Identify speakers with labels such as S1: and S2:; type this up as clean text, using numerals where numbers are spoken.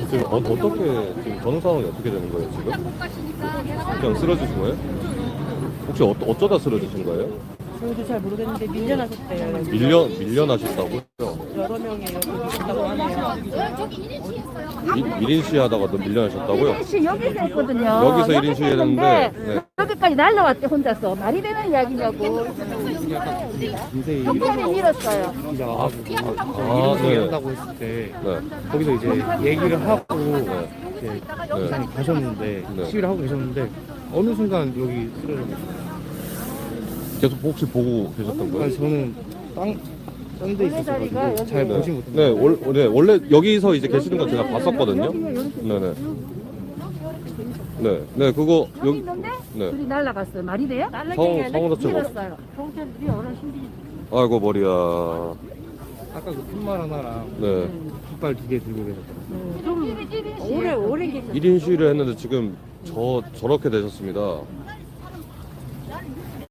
S1: 지금 어떻게 지금 전후 상황이 어떻게 되는 거예요 지금? 그냥 쓰러지신 거예요? 혹시 어쩌다 쓰러지신 거예요?
S2: 저희도 잘 모르겠는데 밀려나셨대요.
S1: 밀려나셨다고요?
S2: 여러 명이 여기 있다고 하네요.
S1: 1인 시위하다가 밀려나셨다고요?
S3: 1인 시위 여기서 했거든요.
S1: 여기서 1인 시위 했는데 네.
S3: 여기까지 날라왔대 혼자서. 말이 되는 이야기냐고. 경찰이 밀었어요.
S1: 네.
S4: 한다고 했을 때
S1: 네.
S4: 거기서 이제 얘기를 하고
S1: 네.
S4: 이제
S1: 네.
S4: 이사님 가셨는데
S1: 네.
S4: 시위를 하고 계셨는데 어느 순간 여기 쓰러졌어요.
S1: 계속 혹시 보고 계셨던 거예요?
S4: 아니 저는 딴 데 있었어가지고 잘
S1: 네.
S4: 보지 못했는데
S1: 네, 원래 여기서 이제 계시는 건 제가 봤었거든요. 네네. 네, 그거
S3: 여기
S1: 여기
S3: 있는데
S1: 네.
S3: 둘이 날라갔어요. 말이 돼요?
S1: 상호 자체가
S3: 밀었어요. 경찰들이 어른 신비.
S1: 아이고 머리야.
S4: 아까 그 팻말 하나랑
S1: 네.
S4: 깃발 2개 들고 계셨더라고요.
S3: 오래 계셨어요.
S1: 1인 시위를 했는데 지금 저렇게 되셨습니다.